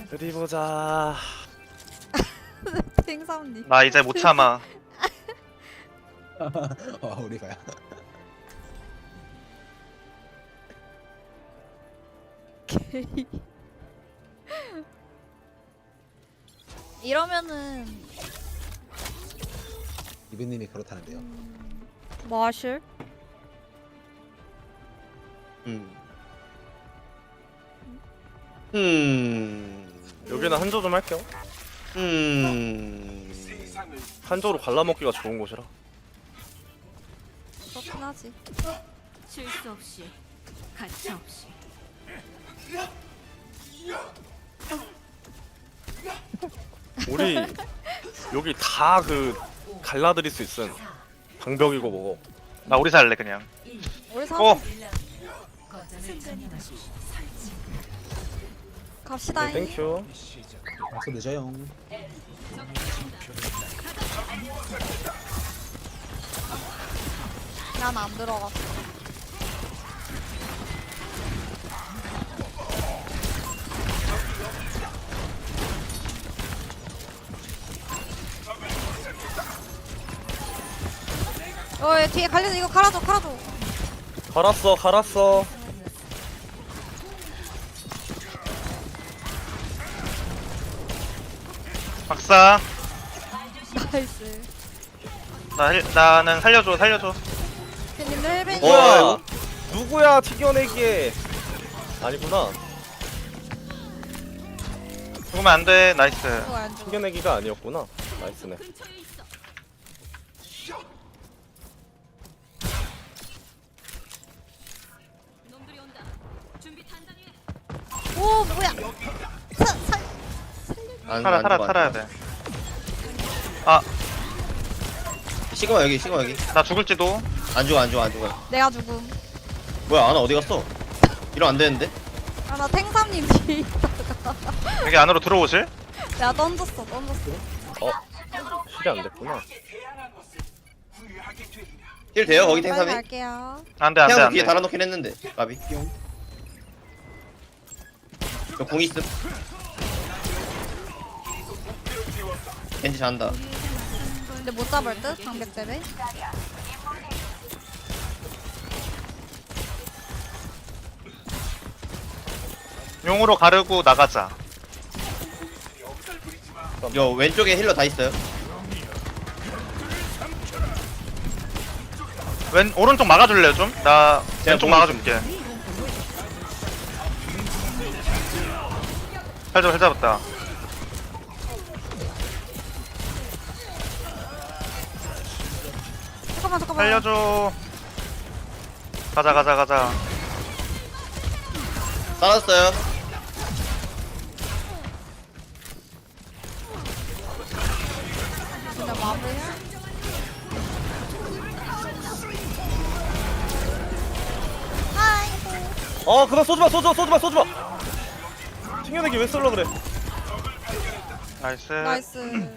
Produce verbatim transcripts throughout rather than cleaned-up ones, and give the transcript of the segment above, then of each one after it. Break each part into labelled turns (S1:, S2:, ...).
S1: 어디 보자.
S2: 탱삼님.
S3: 나 이제 못 참아.
S4: 어 우리 가야.
S2: 게이. 이러면은
S4: 이브님이 그렇다는데요.
S2: 마실?
S5: 음. 음.
S1: 여기는 한조 좀 할게요.
S5: 음.
S1: 한조로 갈라먹기가 좋은 곳이라.
S2: 그렇긴 하지.
S6: 실수 없이 가차 없이
S1: 우리 여기 다 그 갈라드릴 수 있음. 방벽이고 뭐고.
S3: 나 우리 살래 그냥.
S2: 우리 사
S3: 어.
S2: 갑시다.
S1: 네, 땡큐.
S4: 박수 늦어요.
S2: 난 안 들어갔어. 어, 얘 뒤에 갈려서 이거 갈아줘, 갈아줘.
S1: 갈았어, 갈았어.
S3: 박사.
S2: 나이스.
S3: 나 힐, 나는 살려줘 살려줘.
S2: 님들 헬벤이.
S5: 어.
S1: 뭐야? 누구야 튀겨내기에? 아니구나.
S3: 죽으면 안 돼. 나이스.
S2: 이거 안 죽어.
S1: 튀겨내기가 아니었구나. 나이스네.
S6: 근처에 있어. 놈들이 온다. 준비 단단히 해.
S2: 오, 뭐야? 사, 사,
S5: 안,
S3: 살아
S5: 안
S3: 살아
S5: 죽어,
S3: 살아야
S5: 안
S3: 돼.
S5: 죽어. 시그마 여기 시그마 여기.
S3: 나 죽을지도.
S5: 안 죽어 안 죽어 안 죽어.
S2: 내가 죽음.
S5: 뭐야 아나 어디 갔어? 이러면 안 되는데.
S2: 아, 나 탱삼님 뒤에 있다가.
S3: 여기 안으로 들어오실?
S2: 내가 던졌어, 던졌어.
S1: 어? 실이 안 됐구나.
S5: 힐 돼요 거기
S2: 빨리
S5: 탱삼이?
S2: 갈게요.
S3: 안돼 안돼
S5: 태양 뒤에
S3: 안돼.
S5: 달아놓긴 했는데. 까비. 뿅. 저공 있음. 겐지 잔다.
S2: 근데 못 잡을 듯? 방벽 때문에.
S3: 용으로 가르고 나가자.
S5: 요 왼쪽에 힐러 다 있어요.
S3: 왼 오른쪽 막아줄래요 좀? 나
S5: 제가
S3: 왼쪽
S5: 보고
S3: 막아줄게. 잘 잡, 잘 잡았다.
S2: 잠깐만, 잠깐만.
S3: 살려줘. 가자 가자 가자.
S5: 따랐어요.
S2: 근데 마블. 아이고.
S1: 어, 그만 쏘지 마, 쏘지 마, 쏘지 마, 쏘지 마. 튕겨내기 왜 쏠려 그래?
S3: 나이스.
S2: 나이스.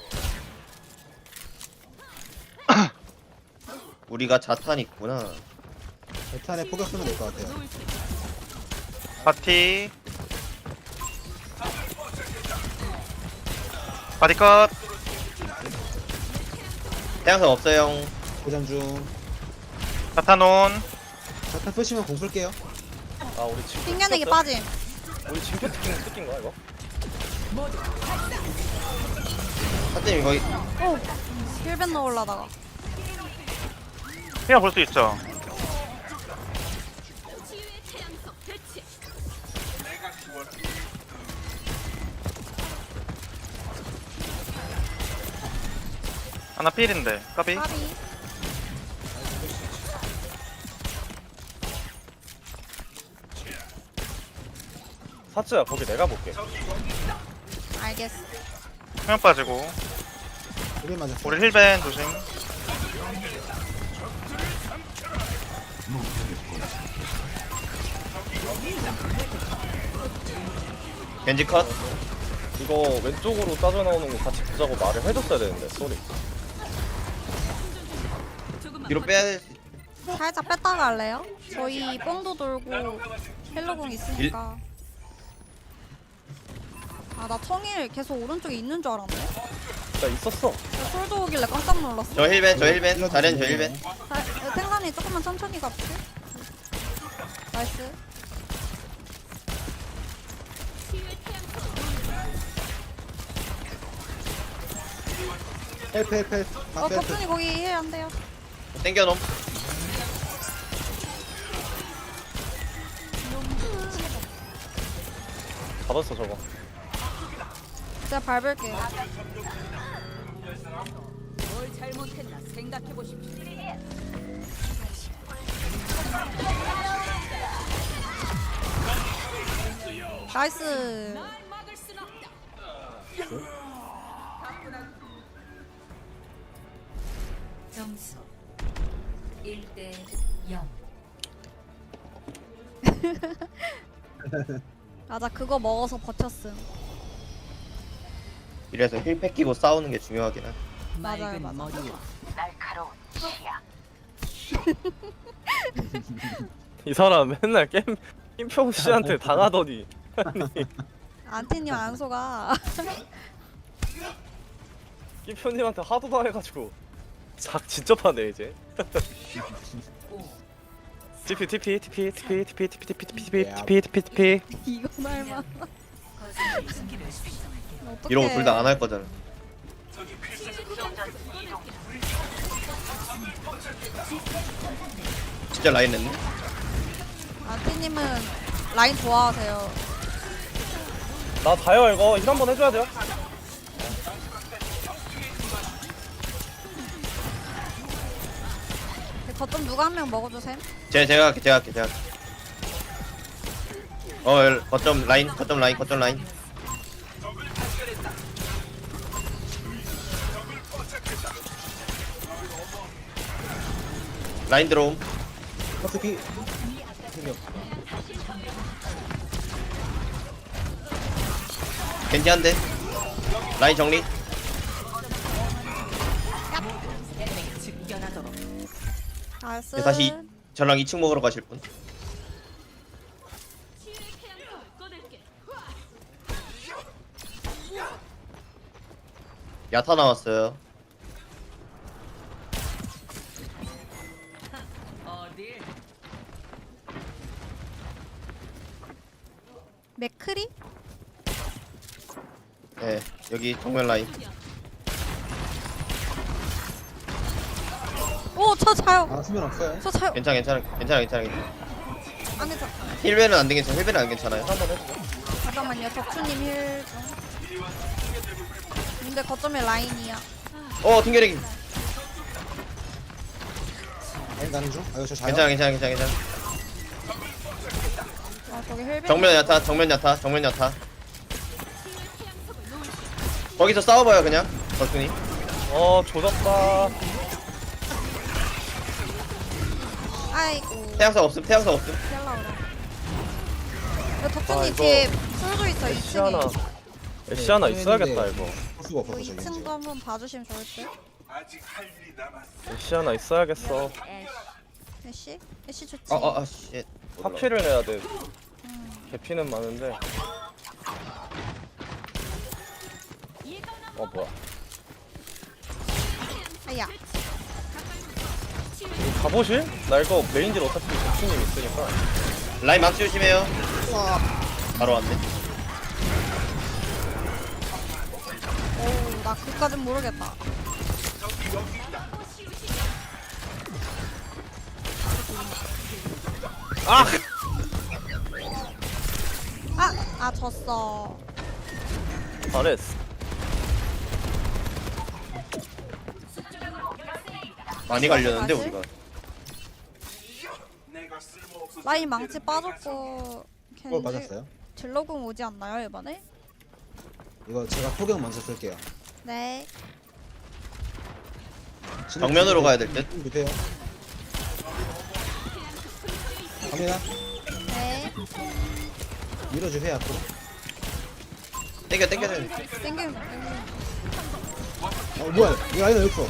S5: 우리가 자탄 있구나.
S4: 베탄에 포격 쓰면 될 것 같아요.
S3: 파티. 파티 컷.
S5: 태양선 없어요.
S4: 고장 중.
S3: 사타논.
S4: 베탄 쓰시면 공 쏠게요.
S1: 아, 우리 징표
S2: 핑계내기
S1: 뜯겼어?
S2: 빠짐.
S1: 우리 징표 뜯긴 뜯긴 거야 이거?
S5: 사장님 거기
S2: 오. 힐벤 넣으려다가.
S3: 그냥 볼 수 있죠.
S6: 치유의 태양석 대치.
S3: 하나 필인데. 까비.
S2: 까비.
S1: 사츠야 거기 내가 볼게.
S2: 알겠어.
S3: 수면 빠지고.
S4: 우리 맞았어.
S3: 우리 힐벤 조심.
S5: 겐지 컷.
S1: 이거 왼쪽으로 따져 나오는 거 같이 보자고 말을 해줬어야 되는데 쏘리.
S6: 조금만
S5: 뒤로 빼야 될.
S2: 살짝 뺐다가 갈래요? 저희 뽕도 돌고 헬로공 있으니까. 아, 나 청일 계속 오른쪽에 있는 줄 알았네.
S1: 나 있었어.
S2: 나 솔도 오길래 깜짝 놀랐어.
S5: 저 힐벤 저 힐벤 자리는 저 힐벤.
S2: 자, 어, 탱란이 조금만 천천히 가볼게. 나이스.
S4: 헬프 헬프 헬프.
S2: 어,
S4: 방패 헬프.
S2: 덕분이 거기 힐안 돼요.
S5: 땡겨놈.
S1: 잡았어 저거.
S2: 제가 밟을게요.
S6: 뭘 잘못했나 생각해 보십시오.
S2: 나이스.
S6: 날 막을 순 없다.
S7: 점수 일 대 영.
S2: 맞아, 그거 먹어서 버텼음.
S5: 이래서 힐팩 끼고 싸우는 게 중요하긴 해.
S2: 맞아요, 맞아.
S1: 이 사람 맨날 게임 김평 씨한테 당하더니
S2: 안티님 안 속아.
S1: 김평님한테 하도 당해가지고 작 진짜 파네 이제. 티피 티피 티피 티피 티피 티피 티피 티피 티피 티피 티피.
S2: 이거 말만.
S7: 거짓말 숨기를 설정할게요.
S2: 어떡해.
S5: 이러고 둘 다 안 할 거잖아. 진짜 라인 냈네.
S2: 안티님은 라인 좋아하세요.
S1: 나 다요 이거 힐 한번 해줘야 돼요.
S2: 거점 누가 한 명 먹어주셈.
S5: 제 제가 할게 제가 할게 제가 할게. 어 열- 거점 라인 거점 라인 거점 라인. 라인 들어옴.
S4: 어차피
S5: 겐지 한 대. 라인 정리.
S2: 나이스.
S5: 네, 다시 저랑 이 층 먹으러 가실 분.
S6: 치유의 태양성을 꺼낼게.
S5: 야타 나왔어요.
S6: 어딜?
S2: 맥크리?
S5: 네 여기 정면 라인.
S2: 오, 저 자요.
S4: 아 수면 없어요.
S2: 저 자요.
S5: 괜찮아 괜찮아 괜찮아 괜찮아 괜찮아.
S2: 안 괜찮아.
S5: 힐벤은 안 되겠어. 힐벤은 안 괜찮아요.
S1: 한번 해줘.
S2: 잠깐만요. 덕수님 힐 좀. 근데 거점에 라인이야.
S5: 어 튕겨내기.
S4: 라인 가는 중. 아유 저 자요.
S5: 괜찮아 괜찮아 괜찮아 괜찮아.
S2: 아, 저기 힐.
S5: 정면 야타 정면 야타 정면 야타. 거기서 싸워봐요 그냥. 버튼이.
S1: 어 조졌다.
S2: 아이고.
S5: 태양석 없음 태양석 없음.
S2: 피할라 그래. 이거
S1: 아,
S2: 덕수님
S1: 이거
S2: 뒤에 솔도 있어.
S1: 애쉬 하나
S2: 이 층에.
S1: 애쉬 하나
S4: 네,
S1: 있어야겠다
S4: 네.
S1: 이거.
S4: 할 수가 없어서
S2: 이
S4: 저기
S2: 층도
S4: 지금.
S2: 한번 봐주시면 좋을 듯.
S1: 애쉬 하나 있어야겠어.
S2: 애쉬? 애쉬 좋지.
S5: 어어아 쉣.
S1: 파피를 내야 돼. 개피는 많은데. 어 뭐야?
S2: 아야.
S1: 이거 가보실? 나 이거 메인질 어차피 덕수님 있으니까.
S5: 라인 망치 조심해요. 바로 왔네.
S2: 오, 나 그까진 모르겠다.
S1: 아!
S2: 아, 아 졌어.
S1: 잘했어.
S5: 많이 갈렸는데
S2: 다시?
S5: 우리가.
S2: 라인 망치 빠졌고.
S4: 어 맞았어요.
S2: 딜러궁 오지 않나요 이번에?
S4: 이거 제가 포경 먼저 쓸게요.
S2: 네.
S5: 정면으로 가야 될 듯.
S4: 급해요. 갑니다.
S2: 네.
S4: 밀어주세요 앞으로.
S5: 땡겨 땡겨 땡겨.
S2: 땡김 땡김.
S4: 어 뭐야? 이 라인 여기 있어.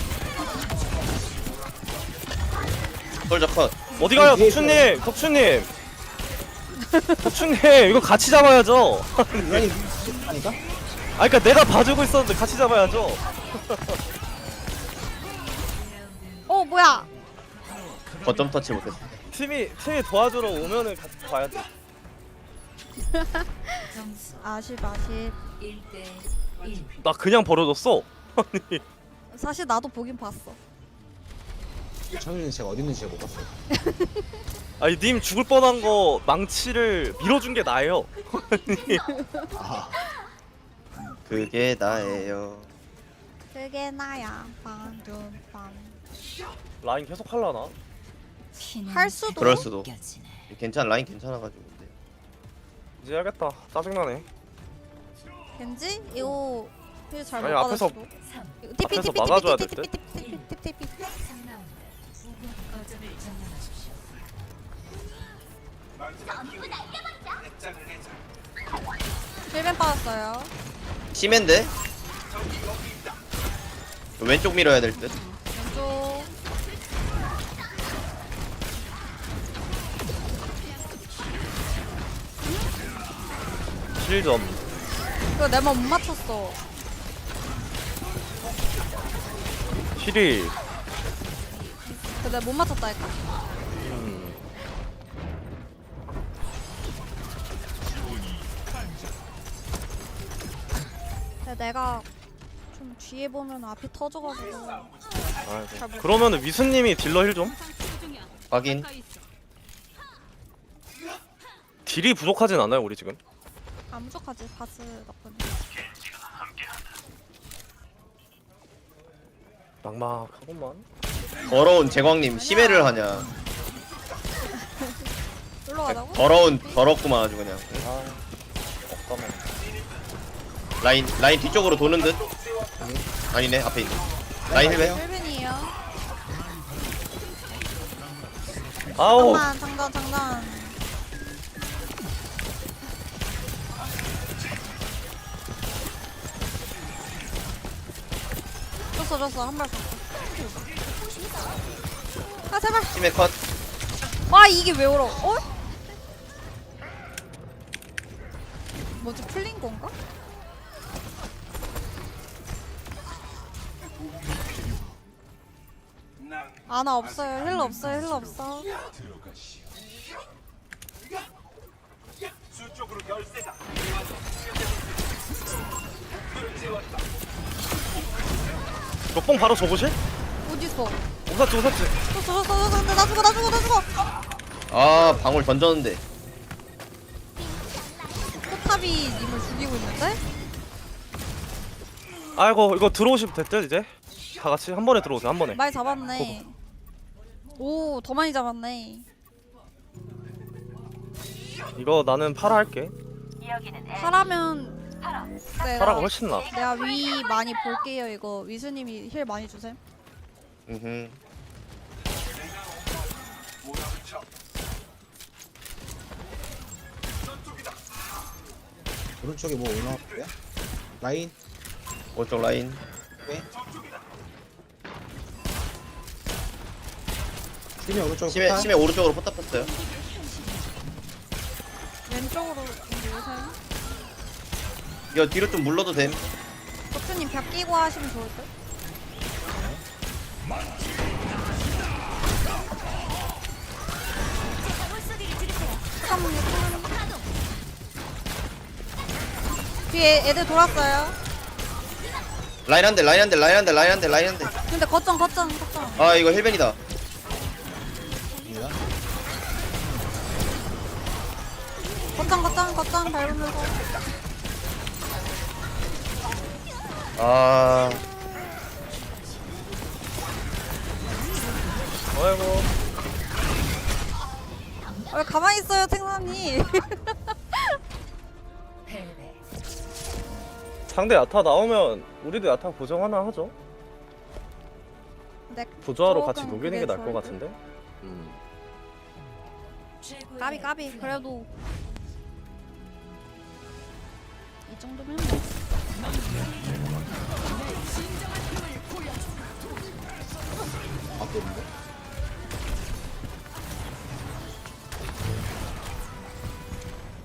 S5: 솔저 컷.
S1: 어디 가요, 덕수님? 덕수님! 덕수님, 이거 같이 잡아야죠.
S4: 라인 하니까?
S1: 아 그니까 내가 봐주고 있었는데 같이 잡아야죠.
S2: 어 뭐야?
S5: 거점 터치 못했어.
S1: 팀이 팀이 도와주러 오면은 같이 봐야지.
S7: 점수
S2: 아쉽 아쉽.
S7: 일 대 일.
S1: 나 그냥 버려줬어. 아니
S2: 사실 나도 보긴 봤어.
S4: 창윤이는 제가 어디 있는지 제가 못 봤어요.
S1: 아니 님 죽을 뻔한 거 망치를 밀어준 게 나예요. 아니
S4: 아,
S5: 그게 나예요.
S2: 그게 나야. 방금 방.
S1: 라인 계속 할라나?
S2: 할 수도.
S5: 그럴 수도. 괜찮아, 라인 괜찮아가지고. 근데.
S1: 이제 해야겠다. 짜증나네.
S2: 겐지? 이거 힐 잘못
S1: 아니, 앞에서-
S2: 받았어. 이거 티피
S1: 앞에서
S2: 티피
S1: 막아줘야
S2: 티피
S1: 될
S2: 티피 티피 티피 티피 티피.
S7: 삼 라운드. 거점을 점령하십시오.
S2: 힐벤 빠졌어요.
S5: 심한데? 왼쪽 밀어야 될 듯.
S2: 왼쪽.
S1: 힐점.
S2: 이거 내만 못 맞췄어.
S1: 힐이
S2: 그 내가 못 맞췄다니까.
S1: 음,
S2: 근데 내가 좀 뒤에 보면 앞이 터져가지고.
S1: 아이고. 그러면은 위수님이 딜러 힐 좀?
S5: 확인.
S1: 딜이 부족하진 않아요 우리 지금.
S2: 안 부족하지 바스 나쁜.
S1: 막막하구만.
S5: 더러운 제광님 심해를 하냐.
S2: 올라가자고?
S5: 더러운 더럽구만 아주 그냥.
S1: 아 없다만.
S5: 라인 라인 뒤쪽으로 도는 듯. 아니네 앞에 있네. 라인 힐베.
S2: 힐벤이에요.
S1: 아우
S2: 잠깐만 장전 장전. 줬어 줬어 한 발 줬어. 아 제발.
S5: 심해 컷.
S2: 와 이게 왜 울어? 어? 뭐지 풀린 건가? 아나 없어요. 힐러 없어요. 힐러 없어.
S1: 몇봉 바로 줘보실?
S2: 어딨어?
S1: 오사치 오사치.
S2: 줬어 줬어 줬어. 근데 나 죽어 나 죽어 나 죽어.
S5: 아 방울 던졌는데.
S2: 포탑이 님을 죽이고 있는데?
S1: 아이고 이거 들어오시면 됐죠 이제? 다 같이 한 번에 들어오세요 한 번에.
S2: 많이 잡았네. 오 더 많이 잡았네.
S1: 이거 나는 파라 할게.
S2: 파라면 내가
S1: 파라가 훨씬 나.
S2: 내가 위 많이 볼게요. 이거 위수님이 힐 많이 주셈.
S5: 음.
S4: 오른쪽에 뭐 올라왔고요? 라인?
S5: 오쪽 라인.
S4: 네. 심해 오른쪽
S5: 심해
S4: 포탑.
S5: 심해 오른쪽으로 포탑 폈어요.
S2: 왼쪽으로 오셈.
S5: 이거 뒤로 좀 물러도 됨.
S2: 도트님 벽 끼고 하시면 좋을 듯. 잠깐만요. 뒤에 애들 돌았어요.
S5: 라인 한 대, 라인 한 대, 라인 한 대, 라인 한 대, 라인 한 대.
S2: 근데 거점 거점 거점.
S5: 아 이거 힐벤이다.
S4: 입니다.
S2: 거점 거점 거점 밟으면서.
S5: 아
S1: 아이고.
S2: 왜 가만히 있어요, 탱사님?
S7: 패배.
S1: 상대 야타 나오면 우리도 야타 보정 하나 하죠.
S2: 근데
S1: 부조화로 같이
S2: 조금
S1: 녹이는 게
S2: 그게
S1: 나을 것
S2: 좋을 듯.
S1: 같은데. 음.
S7: 최고의
S2: 까비 까비.
S7: 플레이.
S2: 그래도 이 정도면 뭐.
S4: 아, 또 있는데?